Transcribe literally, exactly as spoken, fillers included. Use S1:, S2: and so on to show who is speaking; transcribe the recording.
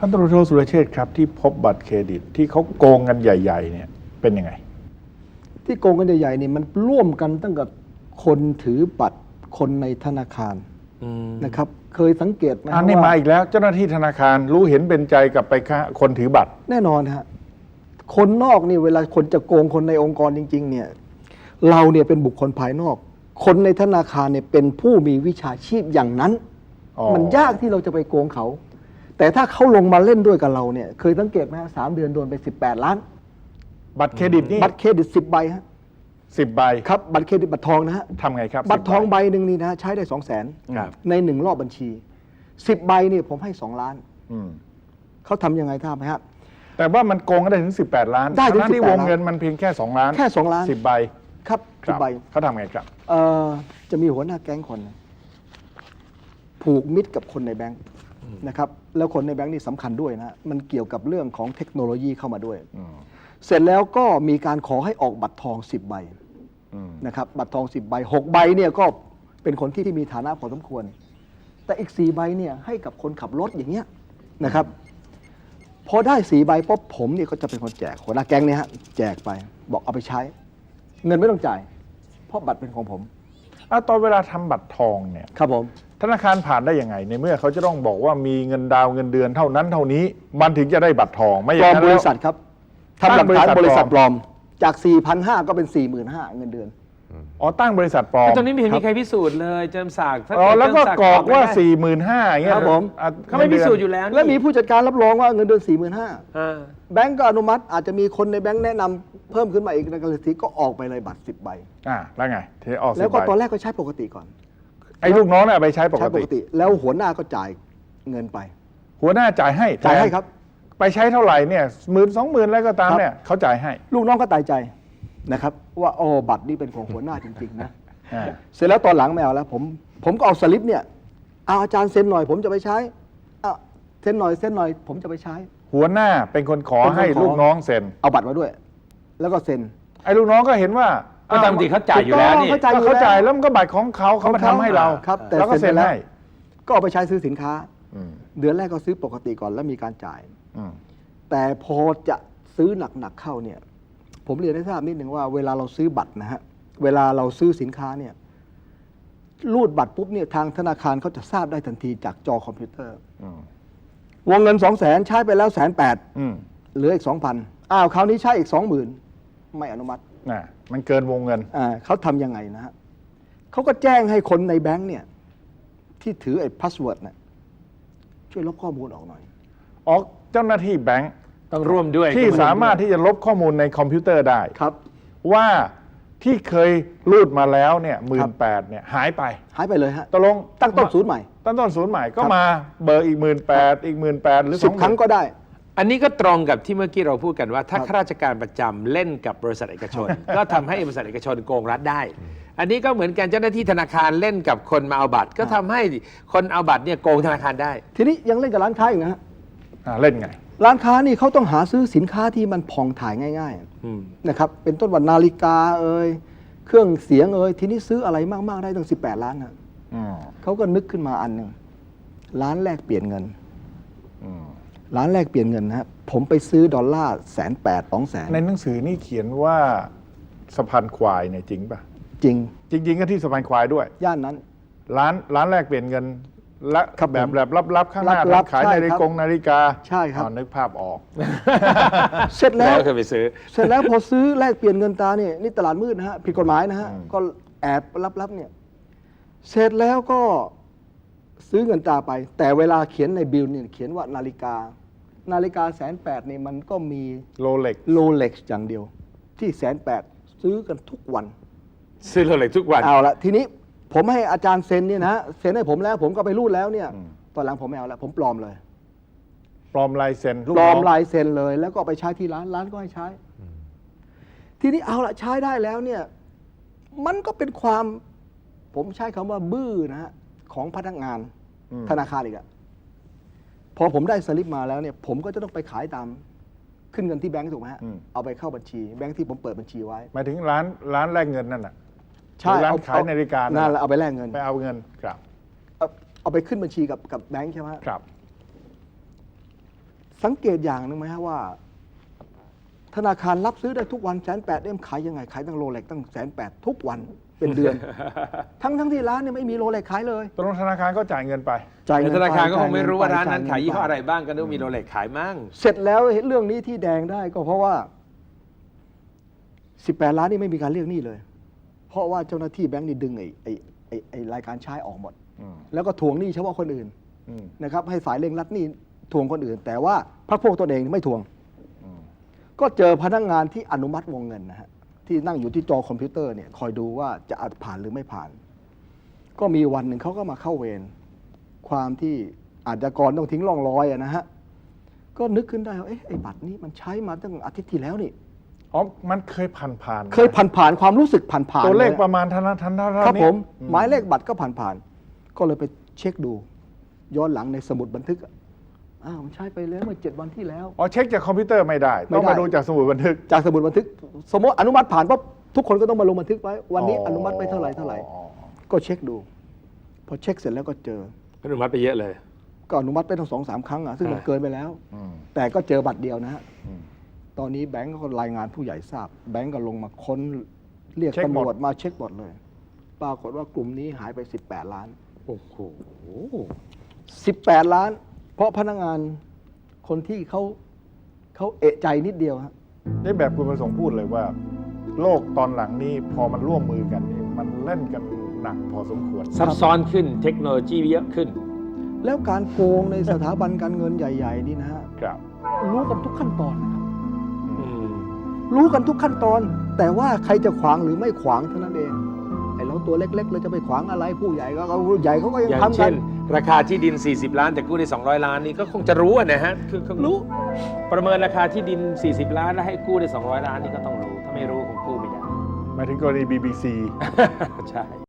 S1: พันตำรวจโทสุรเชษฐ์ครับที่พบบัตรเครดิตที่เขาโกงกันใหญ่ๆเนี่ยเป็นยังไง
S2: ที่โกงกันใหญ่ๆนี่มันร่วมกันตั้งแต่คนถือบัตรคนในธนาคารนะครับเคยสังเกตไหม
S1: อันนี้มาอีกแล้วเจ้าหน้าที่ธนาคารรู้เห็นเป็นใจกับไปฆ่าคนถือบัตร
S2: แน่นอนฮะคนนอกนี่เวลาคนจะโกงคนในองค์กรจริงๆเนี่ยเราเนี่ยเป็นบุคคลภายนอกคนในธนาคารเนี่ยเป็นผู้มีวิชาชีพอย่างนั้นมันยากที่เราจะไปโกงเขาแต่ถ้าเขาลงมาเล่นด้วยกับเราเนี่ยเคยสังเกตไหมฮะสามเดือนโดนไปสิบแปดล้าน
S1: บัตรเครดิตนี่
S2: บัตรเครดิตสิบใบฮะ
S1: สิบใบ
S2: ครับบัตรเครดิตบัตรทองนะฮะ
S1: ทำไงครับ
S2: บัตรทองใบหนึ่งนี่นะใช้ได้สองแสนในหนึ่งรอบบัญชีสิบใบนี่ผมให้สองล้านเขาทำยังไงท่าไหมครับ
S1: แต่ว่ามันโกงก็ได้ถึงสิบแปดล้าน
S2: ได้ถึง
S1: ที่วงเงินมันเพียงแค่สองล้าน
S2: แค่สองล้าน
S1: สิบใบ
S2: ครับสิบใบ
S1: เขาทำไงครับ
S2: เอ่อจะมีหัวหน้าแก๊งคนผูกมิตรกับคนในแบงค์นะครับแล้วคนในแบงค์นี่สำคัญด้วยนะมันเกี่ยวกับเรื่องของเทคโนโลยีเข้ามาด้วยเสร็จแล้วก็มีการขอให้ออกบัตรทองสิบใบนะครับบัตรทองสิบใบหกใบเนี่ยก็เป็นคนที่มีฐานะพอสมควรแต่อีกสี่ใบเนี่ยให้กับคนขับรถอย่างเงี้ยนะครับพอได้สี่ใบปุ๊บผมเนี่ยก็จะเป็นคนแจกหัวหน้าแก๊งเนี่ยฮะแจกไปบอกเอาไปใช้เงินไม่ต้องจ่ายเพราะบัตรเป็นของผม
S1: อ่ะตอนเวลาทำบัตรทองเนี่ย
S2: ครับผม
S1: ธนาคารผ่านได้ยังไงในเมื่อเขาจะต้องบอกว่ามีเงินดาวเงินเดือนเท่านั้นเท่านี้มันถึงจะได้บัตรทองไม่อย่างนั้น
S2: ปลอมบริษัทครับทำหลักฐานบริษัทปลอมจาก สี่พันห้าร้อย ก็เป็น สี่หมื่นห้าพัน เงินเดือน
S1: อ๋อตั้งบริษัทปลอม
S3: ตอนนี้ไม่เห็นมีใครพิสูจน์เลยเจิมศักดิ์
S1: อ๋อแล้วก็กรอกว่า สี่หมื่นห้าพัน อย่างเงี้ย
S2: ครับผม
S3: เขาไม่พิสูจน์อยู่แล้ว
S2: และมีผู้จัดการรับรองว่าเงินเดือน สี่หมื่นห้าพัน แบงก์ก็อนุมัติอาจจะมีคนในแบงก์แนะนำเพิ่มขึ้นมาอีกในกรณีก็ออกไปเลยบัตรสิบใบ
S1: อ่าแล้วไงเทออก
S2: แล้วก็ตอนแรกก็ใช้ปกติก่อน
S1: ไอ้ลูกน้องเนี่ยไปใช้ปกติ
S2: แล้วหัวหน้าก็จ่ายเงินไป
S1: หัวหน้าจ่ายให้
S2: จ่ายให้ครับ
S1: ไปใช้เท่าไหร่เนี่ยหมื่นสองหมื่นแล้วก็ตามเนี่ยเขาจ่ายให้
S2: ลูกน้องก็ตายใจนะครับว่าโอ้บัตรนี่เป็นของหัวหน้าจริงๆนะเสร็จแล้วตอนหลังไม่เอาแล้วผมผมก็เอาสลิปเนี่ยเอาอาจารย์เซ็นหน่อยผมจะไปใช้เซ็นหน่อยเซ็นหน่อยผมจะไปใช้
S1: หัวหน้าเป็นคนขอให้ลูกน้องเซ็น
S2: เอาบัตรมาด้วยแล้วก็เซ็น
S1: ไอ้ลูกน้องก็เห็นว่า
S3: ก็ตามที่เขาจ่ายอยู่แล้วนี่
S1: เขาจ่ายแล้วมันก็บัตรของเขาเขามาทำให้เรา
S2: ครับแต่
S1: แล้วก็เซ็นให้
S2: ก็เอาไปใช้ซื้อสินค้าเดือนแรกก็ซื้อปกติก่อนแล้วมีการจ่ายแต่พอจะซื้อหนักๆเข้าเนี่ยผมเรียนให้ทราบนิดหนึ่งว่าเวลาเราซื้อบัตรนะฮะเวลาเราซื้อสินค้าเนี่ยรูดบัตรปุ๊บเนี่ยทางธนาคารเขาจะทราบได้ทันทีจากจอคอมพิวเตอร์วงเงินสองแสนใช้ไปแล้วแสนแปดเหลืออีกสองพันอ้าวคราวนี้ใช้อีกสองหมื่นไม่อนุมัติ
S1: น่ะมันเกินวงเงิน
S2: อ่าเขาทำยังไงนะฮะเขาก็แจ้งให้คนในแบงค์เนี่ยที่ถือไอ้พาสเวิร์ดเนี่ยช่วยลบข้อมูลออกหน่อย
S1: ออกเจ้าหน้าที่แบงค์
S3: ต้องร่วมด้วย
S1: ที่สามารถที่จะลบข้อมูลในคอมพิวเตอร์ได้
S2: ครับ
S1: ว่าที่เคยรูดมาแล้วเนี่ยหมื่นแปดเนี่ยหายไป
S2: หายไปเลยฮะ
S1: ตกลง
S2: ตั้งต้นศูนย์ใหม่
S1: ตั้งต้นศูนย์ใหม่ก็มาเบอร์อีกหมื่นแปดอีกหมื่นแปดหรือ
S2: สิบครั้งก็ได้
S3: อันนี้ก็ตรงกับที่เมื่อกี้เราพูดกันว่าถ้าข้าราชการประจำเล่นกับบริษัทเอกชนก็ทำให้บริษัทเอกชนโกงรัฐได้อันนี้ก็เหมือนกันเจ้าหน้าที่ธนาคารเล่นกับคนมาเอาบัตรก็ทำให้คนเอาบัตรเนี่ยโกงธนาคารได้
S2: ทีนี้ยังเล่นกับร้านค้าอีกนะฮะ
S1: เล่นไง
S2: ร้านค้านี่เขาต้องหาซื้อสินค้าที่มันผ่องถ่ายง่ายๆนะครับเป็นต้นวันนาฬิกาเอ่ยเครื่องเสียงเอ่ยทีนี้ซื้ออะไรมากๆได้ตั้งสิบแปดล้านนะเขาก็นึกขึ้นมาอันหนึ่งร้านแลกเปลี่ยนเงินร้านแลกเปลี่ยนเงินนะครับผมไปซื้อดอลลาร์แสนแปดสองแสน
S1: ในหนังสือนี่เขียนว่าสะพานควายเนี่ยจริงป่ะ
S2: จริง
S1: จริงๆก็ที่สะพานควายด้วย
S2: ย่านนั้น
S1: ร้านร้านแลกเปลี่ยนเงินและแบบแบบลับๆข้างหน้าร้านขายนาฬิกานาฬิกา
S2: ใช่ครับ
S1: นึกภาพออก
S2: เสร็จแล้ว
S3: เคยไปซื้อ
S2: เสร็จแล้วพอซื้อแลกเปลี่ยนเงินตาเนี่ยนี่ตลาดมืดนะฮะผิดกฎหมายนะฮะก็แอบลับๆเนี่ยเสร็จแล้วก็ซื้อเงินตาไปแต่เวลาเขียนในบิลเนี่ยเขียนว่านาฬิกานาฬิกาแสนแปดนี่มันก็มี
S1: โรเล็ก
S2: โรเล็กอย่างเดียวที่แสนแปดซื้อกันทุกวัน
S3: ซื้อโรเล็กทุกวัน
S2: เอาละทีนี้ผมให้อาจารย์เซ็นเนี่ยนะเซ็นให้ผมแล้วผมก็ไปรูดแล้วเนี่ยตอนหลังผมไม่เอาแล้วผมปลอมเลย
S1: ปลอมลายเซ็น
S2: ปลอมลายเซ็นเลยแล้วก็ไปใช้ที่ร้านร้านก็ให้ใช้ทีนี้เอาละใช้ได้แล้วเนี่ยมันก็เป็นความผมใช้คำว่าบื้อนะฮะของพนักงานธนาคารอีกอะพอผมได้สลิปมาแล้วเนี่ยผมก็จะต้องไปขายตามขึ้นเงินที่แบงก์ถูกไหมฮะเอาไปเข้าบัญชีแบงก์ที่ผมเปิดบัญชีไว้
S1: หมายถึงร้านร้านแลกเงินนั่นน่ะ
S2: ใช่
S1: ร้านขายนาฬิกา
S2: นั่นแหละเอาไปแลกเงิน
S1: ไปเอาเงินครับ
S2: เอาเอาไปขึ้นบัญชีกับกับแบงก์ใช่ไหม
S1: ครับ
S2: สังเกตอย่างหนึ่งไหมฮะว่า ธนาคารรับซื้อได้ทุกวันแสนแปดเอ็มขายยังไงขายตั้งโรเล็กตั้งแสนแปดทุกวันเป็นเดือน ทั้งทั้งที่ร้านเนี่ยไม่มีโรเล็กขายเลย
S1: ตรงธนาคารก็จ่ายเงินไป
S2: จ่าย
S3: แต่
S2: เงิน
S3: ธนาคารก็คง
S2: ป
S3: ไม่รู้ว่าร้าน
S2: จ่
S3: นั้น
S2: เงิ
S3: ขายยี่ห้อ
S2: ป
S3: อะไรบ้างก็ต้องมีโรเล็กขายมั่ง
S2: เสร็จแล้วเรื่องนี้ที่แดงได้ก็เพราะว่าสิบแปดล้านนี่ไม่มีการเรียกหนี้เลย เพราะว่าเจ้าหน้าที่แบงก์นี่ดึงไอ้ไอ้ไอ้ไอ้รายการใช้ออกหมด
S1: อืม
S2: แล้วก็ทวงหนี้เฉพาะคนอื่น
S1: อืม
S2: นะครับให้ฝ่ายเร่งรัดหนี้ทวงคนอื่น แต่ว่าพรรคพวกตนเองไม่ทวง
S1: อืม
S2: ก็เจอพนักงานที่อนุมัติวงเงินนะฮะที่นั่งอยู่ที่จอคอมพิวเตอร์เนี่ยคอยดูว่าจะอาจผ่านหรือไม่ผ่าน ก็มีวันหนึ่งเขาก็มาเข้าเวรความที่อาชญากรต้องทิ้งร่องรอยอะนะฮะก็นึกขึ้นได้ว่าเอ๊ะไอ้บัตรนี้มันใช้มาตั้งอาทิตย์ที่แล้วนี่
S1: อ๋อมันเคยผ่านผ่าน
S2: เคยผ่านผ่านๆความรู้สึกผ่านผ่าน
S1: ตัวเลขประมาณเท่านั้นเท่านั้นเท่า
S2: ครับ
S1: นี้
S2: ผม
S1: อื
S2: หมายเลขบัตรก็ผ่านผ่านๆก็เลยไปเช็คดู ย้อนหลังในสมุดบันทึกอะอ้าวมันใช้ไปแล้วเมื่อเจ็ดวันที่แล้ว
S1: อ๋อเช็คจากคอมพิวเตอร์ไม่ได้
S2: ไม่
S1: ต้อง
S2: ได้
S1: มาดูจากสมุดบันทึก
S2: จากสมุดบันทึก สมมติอนุมัติผ่านปั๊บทุกคนก็ต้องมาลงบันทึกไว้วันนี้อนุมัติไปเท่าไหร่เท่าไหร่
S1: อ๋อ
S2: ก็เช็คดู พอเช็คเสร็จแล้วก็เจอ
S3: อนุมัติไปเยอะเลย
S2: ก็อนุมัติไปทั้งสองสามครั้งอ่ะซึ่งมัน
S3: อ่า
S2: เกินไปแล้ว
S1: อืม
S2: แต่ก็เจอบัตรเดียวนะฮะ
S1: อืม
S2: ตอนนี้แบงก์ก็รายงานผู้ใหญ่ทราบ แบงก์ก็ลงมาค้นเรียก
S1: เช็คหมด
S2: ตำรวจมาเช็คหมดเลย ปรากฏว่ากลุ่มนี้หายไปสิบแปดล้าน
S3: โอ้โห
S2: สิบแปดล้าน เพราะพนักงานคนที่เขาเขาเอะใจนิดเดียวฮะ
S1: นี่แบบคุณประสงค์พูดเลยว่า โลกตอนหลังนี้พอมันร่วมมือกันนี่มันเล่นกันหนักพอสมควร
S3: ซับซ้อนขึ้นเทคโนโลยีเยอะขึ้น
S2: แล้วการโกงในสถาบันการเงินใหญ่ ๆ นี่นะฮะ
S1: ครับ
S2: รู้กันทุกขั้นตอนนะครับ
S3: อืม
S2: รู้กันทุกขั้นตอน แต่ว่าใครจะขวางหรือไม่ขวางเท่านั้นเองไอ้เราตัวเล็กๆเราจะไปขวางอะไรผู้ใหญ่ก็ผู้ใหญ่เขาก็ยัง
S3: อย่าง
S2: ทำกั
S3: เช่
S2: น
S3: น ราคาที่ดิน สี่สิบ ล้าน แต่กู้ได้ สองร้อย ล้านนี่ก็คงจะรู้อะนะฮะคือคือ
S2: รู้
S3: ประเมินราคาที่ดิน สี่สิบ ล้าน แล้วให้กู้ได้ สองร้อย ล้านนี่ก็ต้องรู้ ถ้าไม่รู้คงกู้ไม่ได้
S1: หมายถึงกรณี บี บี ซี
S3: ใช่